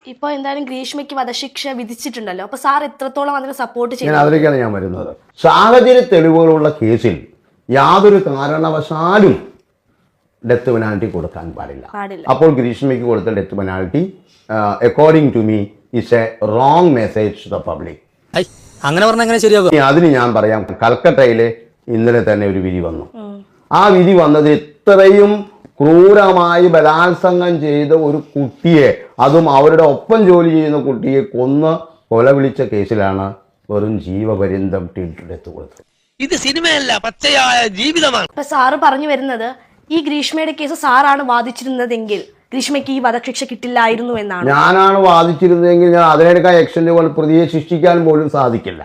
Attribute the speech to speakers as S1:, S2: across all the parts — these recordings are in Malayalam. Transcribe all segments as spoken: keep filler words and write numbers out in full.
S1: ഇപ്പൊ എന്തായാലും ഗ്രീഷ്മയ്ക്ക് വധശിക്ഷ വിധിച്ചിട്ടുണ്ടല്ലോ, അപ്പൊ സാർ എത്രത്തോളം അതിനെ സപ്പോർട്ട്
S2: ഞാൻ
S1: ചെയ്യുന്നു?
S2: അതിലേക്കാണ് ഞാൻ വരുന്നത്. സാഹചര്യ തെളിവുകളുള്ള കേസിൽ യാതൊരു കാരണവശാലും ഡെത്ത് പെനാൽറ്റി കൊടുക്കാൻ പാടില്ല.
S1: പാടില്ല.
S2: അപ്പോൾ ഗ്രീഷ്മയ്ക്ക് കൊടുത്ത death penalty according to me is a wrong message to the public.
S3: അങ്ങനെ പറഞ്ഞാൽ എങ്ങനെ ശരിയാകും?
S2: അതിന് ഞാൻ പറയാം, കൽക്കട്ടയിലെ ഇന്നലെ തന്നെ ഒരു വിധി വന്നു. ആ വിധി വന്നത് ഇത്രയും ക്രൂരമായി ബലാത്സംഗം ചെയ്ത ഒരു കുട്ടിയെ, അതും അവരുടെ ഒപ്പം ജോലി ചെയ്യുന്ന കുട്ടിയെ കൊന്ന് കൊല വിളിച്ച കേസിലാണ് വെറും ജീവപര്യന്തം ഡെത്ത് കൊടുത്തത്.
S4: ഇത് സിനിമയല്ല, പച്ചയായ ജീവിതമാണ്.
S1: ഇപ്പൊ സാറ് പറഞ്ഞു വരുന്നത് ഈ ഗ്രീഷ്മയുടെ കേസ് സാറാണ് വാദിച്ചിരുന്നതെങ്കിൽ ഗ്രീഷ്മയ്ക്ക് ഈ വധശിക്ഷ കിട്ടില്ലായിരുന്നു എന്നാണ്.
S2: ഞാനാണ് വാദിച്ചിരുന്നതെങ്കിൽ ഞാൻ അതിനേക്കാൾ എക്സ്റ്റൻഡ് പ്രതിയെ ശിക്ഷിക്കാൻ പോലും സാധിക്കില്ല.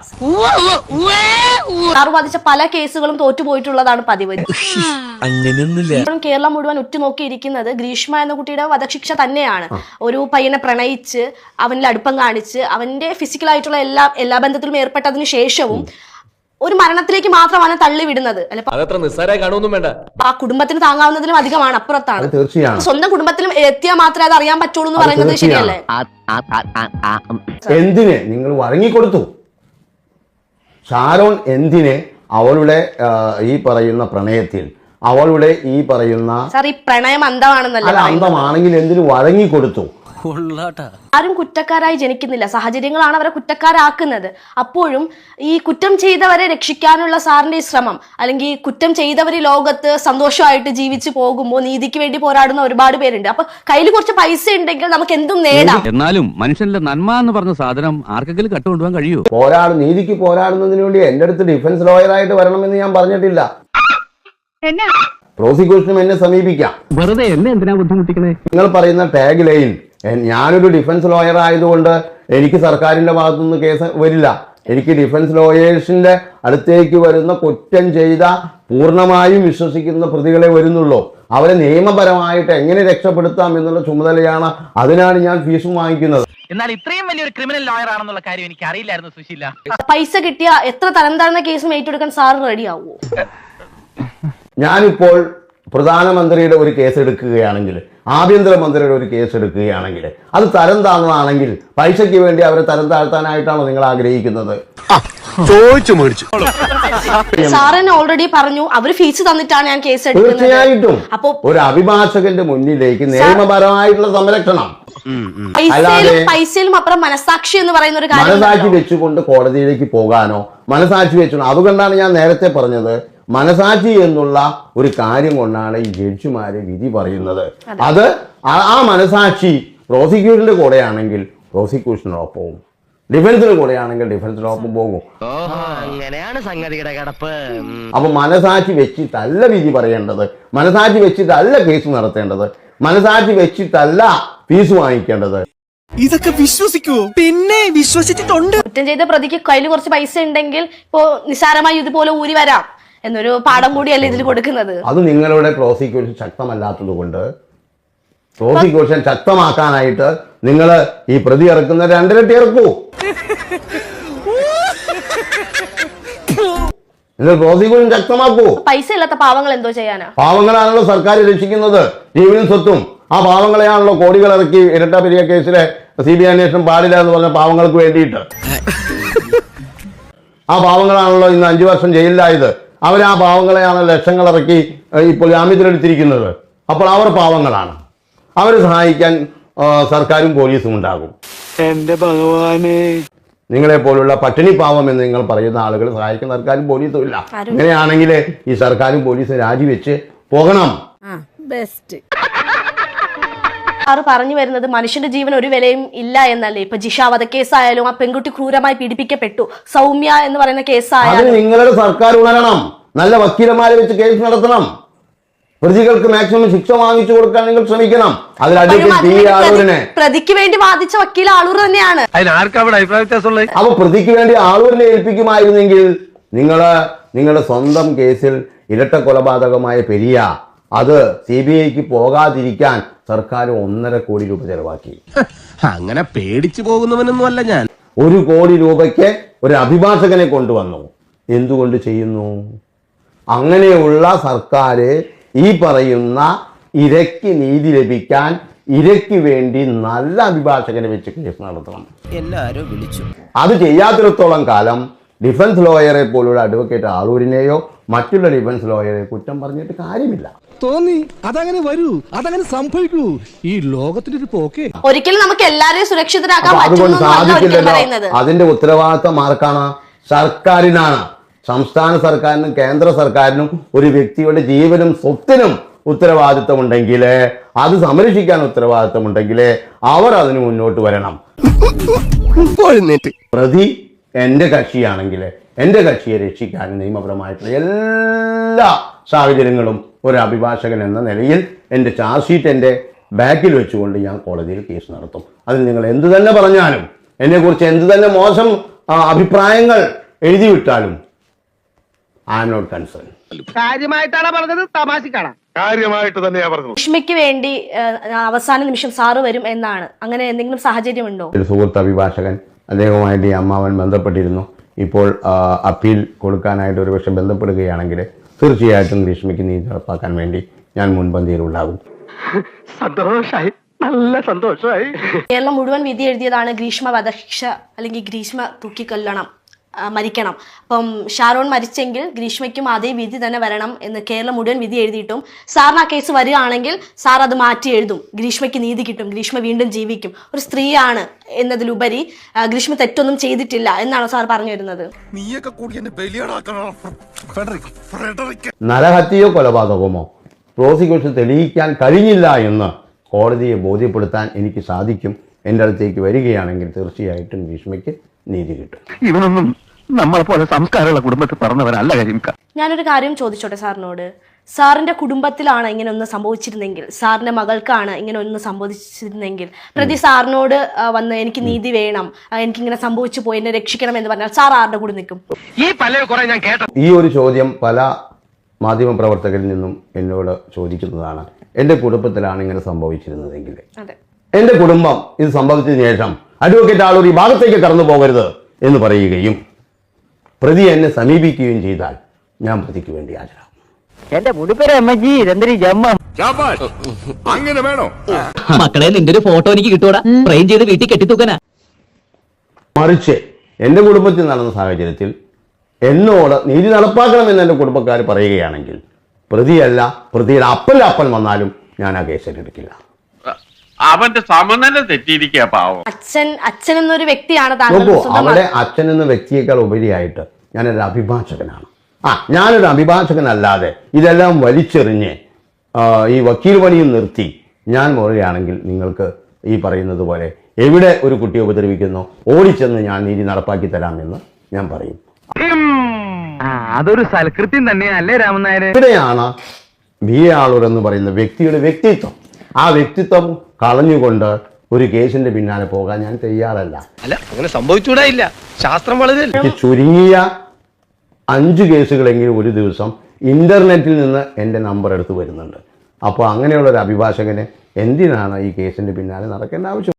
S1: സാറ് വാദിച്ച പല കേസുകളും തോറ്റുപോയിട്ടുള്ളതാണ് പതിവ്. കേരളം മുഴുവൻ ഉറ്റുനോക്കിയിരിക്കുന്നത് ഗ്രീഷ്മ എന്ന കുട്ടിയുടെ വധശിക്ഷ തന്നെയാണ്. ഒരു പയ്യനെ പ്രണയിച്ച് അവനിൽ അടുപ്പം കാണിച്ച് അവന്റെ ഫിസിക്കലായിട്ടുള്ള എല്ലാ എല്ലാ ബന്ധത്തിലും ഏർപ്പെട്ടതിന് ശേഷവും ഒരു മരണത്തിലേക്ക് മാത്രമാണ് തള്ളിവിടുന്നത്. ആ കുടുംബത്തിന് താങ്ങാവുന്നതിലും അധികമാണ്, അപ്പുറത്താണ്.
S2: തീർച്ചയാണ്.
S1: സ്വന്തം കുടുംബത്തിലും എത്തിയാൽ മാത്രമേ അത് അറിയാൻ പറ്റുള്ളൂ എന്ന് പറയുന്നത് ശരിയല്ലേ?
S2: എന്തിന് നിങ്ങൾ വഴങ്ങിക്കൊടുത്തു? ഷാരോൺ എന്തിന് അവളുടെ ഈ പറയുന്ന പ്രണയത്തിൽ, അവളുടെ ഈ പറയുന്ന
S1: സാർ ഈ പ്രണയം അന്ധമാണെന്നല്ല,
S2: അന്ധമാണെങ്കിൽ എന്തിനു വഴങ്ങിക്കൊടുത്തു?
S1: ആരും കുറ്റക്കാരായി ജനിക്കുന്നില്ല, സാഹചര്യങ്ങളാണ് അവരെ കുറ്റക്കാരാക്കുന്നത്. അപ്പോഴും ഈ കുറ്റം ചെയ്തവരെ രക്ഷിക്കാനുള്ള സാറിന്റെ ഈ ശ്രമം, അല്ലെങ്കിൽ കുറ്റം ചെയ്തവർ ഈ ലോകത്ത് സന്തോഷമായിട്ട് ജീവിച്ചു പോകുമ്പോൾ നീതിക്ക് വേണ്ടി പോരാടുന്ന ഒരുപാട് പേരുണ്ട്. അപ്പൊ കയ്യിൽ കുറച്ച് പൈസ ഉണ്ടെങ്കിൽ നമുക്ക് എന്തും നേടാം.
S5: എന്നാലും മനുഷ്യന്റെ നന്മ എന്ന് പറഞ്ഞ സാധനം ആർക്കെങ്കിലും കട്ടുകൊണ്ടുപോകാൻ കഴിയൂ?
S2: പോരാടും, നീതിക്ക് പോരാടുന്നതിന് വേണ്ടി എന്റെ അടുത്ത് ഡിഫൻസ് ലോയറായിട്ട് വരണമെന്ന് ഞാൻ പറഞ്ഞിട്ടില്ല. പ്രോസിക്യൂഷനും എന്നെ സമീപിക്കാം.
S5: വെറുതെ എന്നെ എന്തിനാ ബുദ്ധിമുട്ടിക്കണേ?
S2: നിങ്ങൾ പറയുന്ന ടാഗ് ലൈൻ, ഞാനൊരു ഡിഫൻസ് ലോയർ ആയതുകൊണ്ട് എനിക്ക് സർക്കാരിന്റെ ഭാഗത്തുനിന്ന് കേസ് വരില്ല. എനിക്ക് ഡിഫൻസ് ലോയേഴ്സിന്റെ അടുത്തേക്ക് വരുന്ന കുറ്റം ചെയ്ത പൂർണ്ണമായും വിശ്വസിക്കുന്ന പ്രതികളെ വരുന്നുള്ളൂ. അവരെ നിയമപരമായിട്ട് എങ്ങനെ രക്ഷപ്പെടുത്താം എന്നുള്ള ചുമതലയാണ്. അതിനാണ് ഞാൻ ഫീസും വാങ്ങിക്കുന്നത്.
S4: എന്നാൽ ഇത്രയും വലിയൊരു ക്രിമിനൽ ലോയർ ആണെന്നുള്ള കാര്യം എനിക്ക് അറിയില്ലായിരുന്നു സുശീല.
S1: പൈസ കിട്ടിയ എത്ര തരം താഴ്ന്ന കേസും ഏറ്റെടുക്കാൻ സാർ റെഡിയാവോ?
S2: ഞാനിപ്പോൾ പ്രധാനമന്ത്രിയുടെ ഒരു കേസ് എടുക്കുകയാണെങ്കിൽ, ആഭ്യന്തരമന്ത്രിയുടെ ഒരു കേസ് എടുക്കുകയാണെങ്കിൽ, അത് തരം താഴ്ന്നതാണെങ്കിൽ പൈസയ്ക്ക് വേണ്ടി അവരെ തരം താഴ്ത്താനായിട്ടാണോ നിങ്ങൾ ആഗ്രഹിക്കുന്നത്?
S1: സാറിന് ഓൾറെഡി പറഞ്ഞു അവര് ഫീസ് തന്നിട്ടാണ് ഞാൻ കേസ് എടുക്കുന്നത്.
S2: തീർച്ചയായിട്ടും അപ്പൊ ഒരു അഭിഭാഷകന്റെ മുന്നിലേക്ക് നിയമപരമായിട്ടുള്ള സംരക്ഷണം,
S1: പൈസയിലും അപ്പുറം മനസാക്ഷി എന്ന് പറയുന്ന ഒരു കാര്യം,
S2: മനസാക്ഷി വെച്ചുകൊണ്ട് കോടതിയിലേക്ക് പോകാനോ മനസാക്ഷി വെച്ചോ. അതുകൊണ്ടാണ് ഞാൻ നേരത്തെ പറഞ്ഞത്, മനസാക്ഷി എന്നുള്ള ഒരു കാര്യം കൊണ്ടാണ് ഈ ജഡ്ജിമാര് വിധി പറയുന്നത്. അത് ആ മനസാക്ഷി പ്രോസിക്യൂഷന്റെ കൂടെയാണെങ്കിൽ പ്രോസിക്യൂഷനോടൊപ്പവും, ഡിഫൻസിന്റെ കൂടെയാണെങ്കിൽ ഡിഫൻസിനൊപ്പം പോകും.
S4: അങ്ങനെയാണ് സംഗതിയുടെ കിടപ്പ്.
S2: അപ്പൊ മനസാക്ഷി വെച്ചിട്ടല്ല വിധി പറയേണ്ടത്, മനസാക്ഷി വെച്ചിട്ടല്ല കേസ് നടത്തേണ്ടത്, മനസാക്ഷി വെച്ചിട്ടല്ല ഫീസ് വാങ്ങിക്കേണ്ടത്.
S3: ഇതൊക്കെ വിശ്വസിക്കൂ? പിന്നെ വിശ്വസിച്ചിട്ടുണ്ട്.
S1: കുറ്റം ചെയ്ത പ്രതിക്ക് കയ്യിൽ കുറച്ച് പൈസ ഉണ്ടെങ്കിൽ ഇപ്പോ നിസ്സാരമായി ഇതുപോലെ ഊരി വരാം എന്നൊരു പാഠം കൂടിയല്ലേ ഇതിൽ കൊടുക്കുന്നത്.
S2: അത് നിങ്ങളുടെ പ്രോസിക്യൂഷൻ ശക്തമല്ലാത്തത് കൊണ്ട് പ്രോസിക്യൂഷൻ ശക്തമാക്കാനായിട്ട് നിങ്ങൾ ഈ പ്രതി ഇറക്കുന്ന രണ്ടിരട്ടി ഇറക്കൂ. നിങ്ങൾ പ്രോസിക്യൂഷൻ ശക്തമാക്കൂ.
S1: പൈസ ഇല്ലാത്ത പാവങ്ങൾ എന്തോ ചെയ്യാനാ?
S2: പാവങ്ങളാണല്ലോ സർക്കാർ രക്ഷിക്കുന്നത്, ജീവനും സ്വത്തും. ആ പാവങ്ങളെയാണല്ലോ കോടികൾ ഇറക്കി ഇരട്ട പെരിയ കേസിലെ സി ബി ഐ അന്വേഷണം പാടില്ല എന്ന് പറഞ്ഞ പാവങ്ങൾക്ക് വേണ്ടിയിട്ട്. ആ പാവങ്ങളാണല്ലോ ഇന്ന് അഞ്ചു വർഷം ജയിലിലായത്. അവർ ആ പാവങ്ങളെയാണ് ലക്ഷങ്ങൾ ഇറക്കി ഇപ്പോൾ ജാമ്യത്തിലെടുത്തിരിക്കുന്നത്. അപ്പോൾ അവർ പാവങ്ങളാണ്, അവരെ സഹായിക്കാൻ സർക്കാരും പോലീസും ഉണ്ടാകും.
S3: എന്റെ ഭഗവാനെ,
S2: നിങ്ങളെ പോലുള്ള പട്ടിണി പാവം എന്ന് നിങ്ങൾ പറയുന്ന ആളുകൾ സഹായിക്കുന്ന സർക്കാരും പോലീസും ഇല്ല. ഇങ്ങനെയാണെങ്കിൽ ഈ സർക്കാരും പോലീസും രാജിവെച്ച് പോകണം.
S1: സാറ് പറഞ്ഞു വരുന്നത് മനുഷ്യന്റെ ജീവൻ ഒരു വിലയും ഇല്ല എന്നല്ലേ? ഇപ്പൊ ജിഷ വധക്കേസായാലും ആ പെൺകുട്ടി ക്രൂരമായി പീഡിപ്പിക്കപ്പെട്ടു, സൗമ്യ എന്ന് പറയുന്ന കേസായാലും
S2: നിങ്ങളുടെ സർക്കാർ ഉണരണം, നല്ല വക്കീലന്മാരെ വെച്ച് കേസ് നടത്തണം, പ്രതികൾക്ക് മാക്സിമം ശിക്ഷ വാങ്ങിച്ചു കൊടുക്കാൻ നിങ്ങൾ ശ്രമിക്കണം. അതിൽ അഡ്വക്കേറ്റ്
S1: പ്രതിക്ക് വേണ്ടി വാദിച്ച വക്കീൽ ആളൂർ തന്നെയാണ്.
S2: അപ്പൊ പ്രതിക്ക് വേണ്ടി ആളൂരിനെ ഏൽപ്പിക്കുമായിരുന്നെങ്കിൽ നിങ്ങള് നിങ്ങളുടെ സ്വന്തം കേസിൽ ഇരട്ട കൊലപാതകമായ പെരിയ അത് സി ബി ഐക്ക് പോകാതിരിക്കാൻ സർക്കാർ ഒന്നര കോടി രൂപ ചെലവാക്കി.
S6: അങ്ങനെ പേടിച്ചു പോകുന്നവനൊന്നും അല്ല ഞാൻ.
S2: ഒരു കോടി രൂപയ്ക്ക് ഒരു അഭിഭാഷകനെ കൊണ്ടുവന്നു. എന്തുകൊണ്ട് ചെയ്യുന്നു? അങ്ങനെയുള്ള സർക്കാർ ഈ പറയുന്ന ഇരയ്ക്ക് നീതി ലഭിക്കാൻ ഇരയ്ക്ക് വേണ്ടി നല്ല അഭിഭാഷകനെ വെച്ച് കേസ് നടത്തണം.
S6: എല്ലാരും വിളിച്ചു.
S2: അത് ചെയ്യാത്തിടത്തോളം കാലം ഡിഫൻസ് ലോയറെ പോലുള്ള അഡ്വക്കേറ്റ് ആളൂരിനെയോ മറ്റുള്ള ഡിഫൻസ് ലോയറെ കുറ്റം പറഞ്ഞിട്ട് കാര്യമില്ല.
S6: തോന്നി അതങ്ങനെ വരൂ, അതങ്ങനെ സംഭവിക്കൂ. ഈ ലോകത്തിന്റെ ഒരു പോക്കേ.
S1: ഒരിക്കലും നമുക്ക് എല്ലാരെയും സുരക്ഷിതരാക്കാൻ
S2: അപ്പൊ അതുകൊണ്ട്
S1: പറ്റുമെന്നല്ല ഒരിക്കലും
S2: സാധിക്കില്ലല്ലോ.
S1: പറയുന്നത്.
S2: അതിന്റെ ഉത്തരവാദിത്തം ആർക്കാണ്? സർക്കാരിനാണ്. സംസ്ഥാന സർക്കാരിനും കേന്ദ്ര സർക്കാരിനും ഒരു വ്യക്തിയുടെ ജീവനും സ്വത്തിനും ഉത്തരവാദിത്തമുണ്ടെങ്കിൽ, അത് സംരക്ഷിക്കാൻ ഉത്തരവാദിത്തമുണ്ടെങ്കിൽ അവർ അതിന് മുന്നോട്ട് വരണം. പ്രതി എന്റെ കക്ഷിയാണെങ്കിൽ എന്റെ കക്ഷിയെ രക്ഷിക്കാൻ നിയമപരമായിട്ടുള്ള എല്ലാ സാഹചര്യങ്ങളും ഒരു അഭിഭാഷകൻ എന്ന നിലയിൽ എൻ്റെ ചാർജ് ഷീറ്റ് എൻ്റെ ബാക്കിൽ വെച്ചുകൊണ്ട് ഞാൻ കോടതിയിൽ കേസ് നടത്തും. അതിൽ നിങ്ങൾ എന്ത് തന്നെ പറഞ്ഞാലും, എന്നെക്കുറിച്ച് എന്ത് തന്നെ മോശം ആ, അഭിപ്രായങ്ങൾ എഴുതി വിട്ടാലും ഐ ആം നോട്ട് കൺസേൺ.
S3: കാര്യമായിട്ടാണ് പറഞ്ഞത്, തമാശക്കാണ്.
S7: കാര്യമായിട്ട് തന്നെയാ പറഞ്ഞത്.
S1: രശ്മിക്ക് വേണ്ടി ഏഹ്, അവസാന നിമിഷം സാറ് വരും എന്നാണ്. അങ്ങനെ എന്തെങ്കിലും സാഹചര്യം ഉണ്ടോ?
S2: ഒരു സുഹൃത്ത് അഭിഭാഷകൻ, അദ്ദേഹവുമായിട്ട് ഈ അമ്മാവൻ ബന്ധപ്പെട്ടിരുന്നു. ഇപ്പോൾ ആ, അപ്പീൽ കൊടുക്കാനായിട്ട് ഒരു പക്ഷെ ബന്ധപ്പെടുകയാണെങ്കിൽ തീർച്ചയായിട്ടും ഗ്രീഷ്മയ്ക്ക് നീതി നടപ്പാക്കാൻ വേണ്ടി ഞാൻ മുൻപന്തിയിലുണ്ടാകും.
S3: സന്തോഷായി, നല്ല സന്തോഷായി.
S1: കേരളം മുഴുവൻ വിധി എഴുതിയതാണ് ഗ്രീഷ്മ വധശിക്ഷ അല്ലെങ്കിൽ ഗ്രീഷ്മ തൂക്കിക്കൊല്ലണം, ആ, മരിക്കണം. അപ്പം ഷാരോൺ മരിച്ചെങ്കിൽ ഗ്രീഷ്മയ്ക്കും അതേ വിധി തന്നെ വരണം എന്ന് കേരളം മുഴുവൻ വിധി എഴുതിയിട്ടും സാറിന് ആ കേസ് വരികയാണെങ്കിൽ സാർ അത് മാറ്റി എഴുതും. ഗ്രീഷ്മയ്ക്ക് നീതി കിട്ടും, ഗ്രീഷ്മ വീണ്ടും ജീവിക്കും. ഒരു സ്ത്രീയാണ് എന്നതിലുപരി ആ, ഗ്രീഷ്മ തെറ്റൊന്നും ചെയ്തിട്ടില്ല എന്നാണ് സാർ പറഞ്ഞു വരുന്നത്.
S7: നീയൊക്കെ കൂടി എന്നെ ബലിയാടാക്കണം.
S2: നരഹത്യയോ കൊലപാതകമോ പ്രോസിക്യൂഷൻ തെളിയിക്കാൻ കഴിഞ്ഞില്ല എന്ന് കോടതിയെ ബോധ്യപ്പെടുത്താൻ എനിക്ക് സാധിക്കും. എൻ്റെ അടുത്തേക്ക് വരികയാണെങ്കിൽ തീർച്ചയായിട്ടും ഗ്രീഷ്മയ്ക്ക് നീതി കിട്ടും.
S4: ഇവനൊന്നും നമ്മളെ പോലെ സംസ്കാരമുള്ള കുടുംബത്തിൽ പറഞ്ഞവരല്ല കരിമിക്ക.
S1: ഞാനൊരു കാര്യം ചോദിച്ചോട്ടെ സാറിനോട്. സാറിന്റെ കുടുംബത്തിലാണ് ഇങ്ങനെ ഒന്ന് സംഭവിച്ചിരുന്നെങ്കിൽ, സാറിന്റെ മകൾക്കാണ് ഇങ്ങനെ ഒന്ന് സംഭവിച്ചിരുന്നെങ്കിൽ, പ്രതി സാറിനോട് ആ, വന്ന് എനിക്ക് നീതി വേണം, ആ, എനിക്കിങ്ങനെ സംഭവിച്ചു പോയി, എന്നെ രക്ഷിക്കണം എന്ന് പറഞ്ഞാൽ സാർ ആരുടെ കൂടെ നിൽക്കും?
S4: ഈ പല കുറെ ഞാൻ കേട്ട
S2: ഈ ഒരു ചോദ്യം പല മാധ്യമപ്രവർത്തകരിൽ നിന്നും എന്നോട് ചോദിക്കുന്നതാണ്. എൻ്റെ കുടുംബത്തിലാണ് ഇങ്ങനെ സംഭവിച്ചിരുന്നതെങ്കിൽ,
S1: അതെ,
S2: എൻ്റെ കുടുംബം ഇത് സംഭവിച്ചതിന് ശേഷം അഡ്വക്കേറ്റ് ആളൂർ ഈ ഭാഗത്തേക്ക് കടന്നു പോകരുത് എന്ന് പറയുകയും പ്രതി എന്നെ സമീപിക്കുകയും ചെയ്താൽ ഞാൻ പ്രതിക്ക് വേണ്ടി ഹാജരാകും.
S3: എന്റെ മുടിപ്പേര് അമ്മജി രണ്ടരി ജമ്മ.
S7: അങ്ങനെ വേണോ?
S3: മക്കളെ, നിന്റെ ഒരു ഫോട്ടോ എനിക്ക് കിട്ടൂടാ, ഫ്രെയിം ചെയ്ത് വീട്ടിൽ കെട്ടിത്തൂക്കാനാ.
S2: മറിച്ച് എൻ്റെ കുടുംബത്തിൽ നടന്ന സാഹചര്യത്തിൽ എന്നോട് നീതി നടപ്പാക്കണമെന്ന് എൻ്റെ കുടുംബക്കാർ പറയുകയാണെങ്കിൽ പ്രതിയല്ല, പ്രതിയുടെ അപ്പൽ അപ്പൻ വന്നാലും ഞാൻ ആ കേസ് ഏറ്റെടുക്കില്ല.
S7: അവന്റെ സമനില തെറ്റിയിരിക്കുക പാവം.
S1: അച്ഛൻ അച്ഛൻ എന്നൊരു വ്യക്തിയാണ് താങ്കൾ
S2: നോക്കൂ,
S1: സ്വന്തം
S2: അവിടെ അച്ഛൻ എന്ന വ്യക്തിയേക്കാൾ ഉപരിയായിട്ട് ഞാനൊരു അഭിഭാഷകനാണ്. ആ ഞാനൊരു അഭിഭാഷകനല്ലാതെ ഇതെല്ലാം വലിച്ചെറിഞ്ഞ് ആ, ഈ വക്കീൽ പണിയും നിർത്തി ഞാൻ പറയുകയാണെങ്കിൽ നിങ്ങൾക്ക് ഈ പറയുന്നത് പോലെ എവിടെ ഒരു കുട്ടിയെ ഉപദ്രവിക്കുന്നോ ഓടിച്ചെന്ന് ഞാൻ നീതി നടപ്പാക്കി തരാമെന്ന് ഞാൻ പറയും.
S4: അതൊരു സൽകൃത്യം തന്നെയല്ലേ രാമനായര്?
S2: ഇവിടെയാണ് ബി എ ആളൂർ എന്ന് പറയുന്ന വ്യക്തിയുടെ വ്യക്തിത്വം. ആ വ്യക്തിത്വം കളഞ്ഞുകൊണ്ട് ഒരു കേസിന്റെ പിന്നാലെ പോകാൻ ഞാൻ തയ്യാറല്ല.
S3: അല്ല, അങ്ങനെ സംഭവിച്ചൂടായില്ല. ശാസ്ത്രം വളരെ
S2: എനിക്ക് ചുരുങ്ങിയ അഞ്ച് കേസുകളെങ്കിലും ഒരു ദിവസം ഇന്റർനെറ്റിൽ നിന്ന് എൻ്റെ നമ്പർ എടുത്ത് വരുന്നുണ്ട്. അപ്പോൾ അങ്ങനെയുള്ള ഒരു അഭിഭാഷകന് എന്തിനാണ് ഈ കേസിന്റെ പിന്നാലെ നടക്കേണ്ട ആവശ്യം?